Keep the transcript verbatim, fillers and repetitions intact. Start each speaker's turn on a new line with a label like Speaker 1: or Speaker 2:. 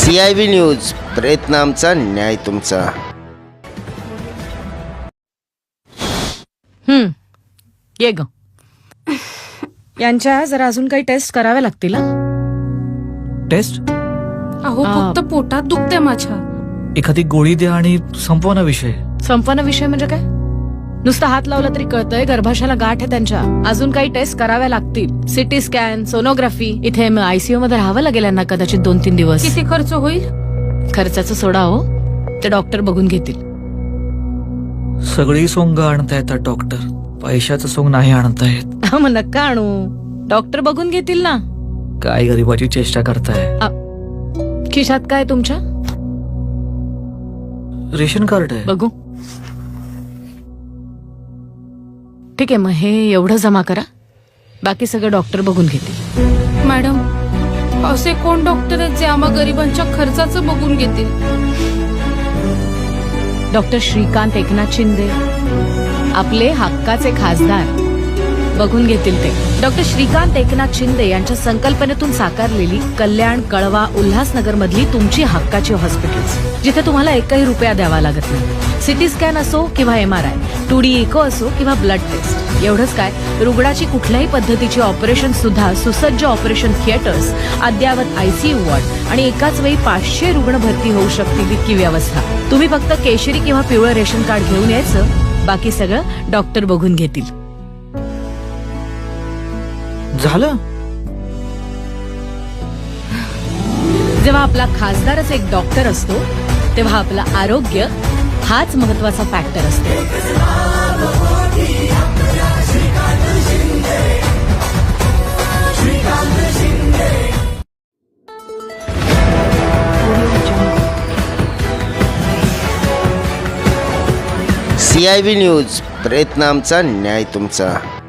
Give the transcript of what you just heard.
Speaker 1: C I V news, प्रयत्न आमचा, न्याय तुमचा.
Speaker 2: हम्म ये ग. यांच्या जरा अजून काही टेस्ट कराव्या लागतील.
Speaker 3: टेस्ट?
Speaker 4: अहो
Speaker 2: आ.
Speaker 4: फक्त पोटात दुखते माझ्या.
Speaker 3: एखादी गोळी द्या आणि संपवा ना विषय.
Speaker 2: संपन्न विषय म्हणजे काय? नुसतं हात लावला तरी कळतंय गर्भाशयाला गाठ आहे त्यांच्या. अजून काही टेस्ट कराव्या लागतील. CT scan, sonography. इथे आयसीयू मध्ये राहावं लागेल यांना कदाचित दोन तीन दिवस.
Speaker 4: किती खर्च होईल?
Speaker 2: खर्चाचं सोडा हो, ते डॉक्टर बघून घेतील.
Speaker 3: सगळी सोंग आणता येतात डॉक्टर, पैशाचं सोंग नाही आणता येत.
Speaker 2: मग नका आणू, डॉक्टर बघून घेतील ना.
Speaker 3: काय गरीबाची चेष्टा करताय.
Speaker 2: खिशात काय तुमच्या?
Speaker 3: रेशन कार्ड आहे.
Speaker 2: बघू. ठीक आहे, मग हे एवढं जमा करा, बाकी सगळं डॉक्टर बघून घेतील.
Speaker 4: मॅडम, असे कोण डॉक्टर आहेत जे आम्हा गरिबांच्या खर्चाचं बघून घेतील?
Speaker 2: डॉक्टर श्रीकांत एकनाथ शिंदे, आपले हक्काचे खासदार, बघून घेतील ते. डॉक्टर श्रीकांत एकनाथ शिंदे यांच्या संकल्पनेतून साकारलेली कल्याण, कळवा, उल्हासनगर मधली तुमची हक्काची हॉस्पिटल्स, जिथे तुम्हाला एकही रुपया द्यावा लागत नाही. सिटी स्कॅन असो किंवा M R I, two D echo असो किंवा ब्लड टेस्ट. एवढंच काय, रुग्णाची कुठल्याही पद्धतीची ऑपरेशन सुद्धा सुसज्ज ऑपरेशन थिएटर्स, अद्ययावत आयसीयू वॉर्ड आणि एकाच वेळी पाचशे रुग्ण भरती होऊ शकतील इतकी व्यवस्था. तुम्ही फक्त केशरी किंवा पिवळं रेशन कार्ड घेऊन यायचं, बाकी सगळं डॉक्टर बघून घेतील.
Speaker 3: झालं?
Speaker 2: जेव्हा आपला खासदारच एक डॉक्टर असतो, तेव्हा आपलं आरोग्य हाच महत्वाचा फॅक्टर असतो.
Speaker 1: सी आय व्ही न्यूज, प्रयत्न आमचा, न्याय तुमचा.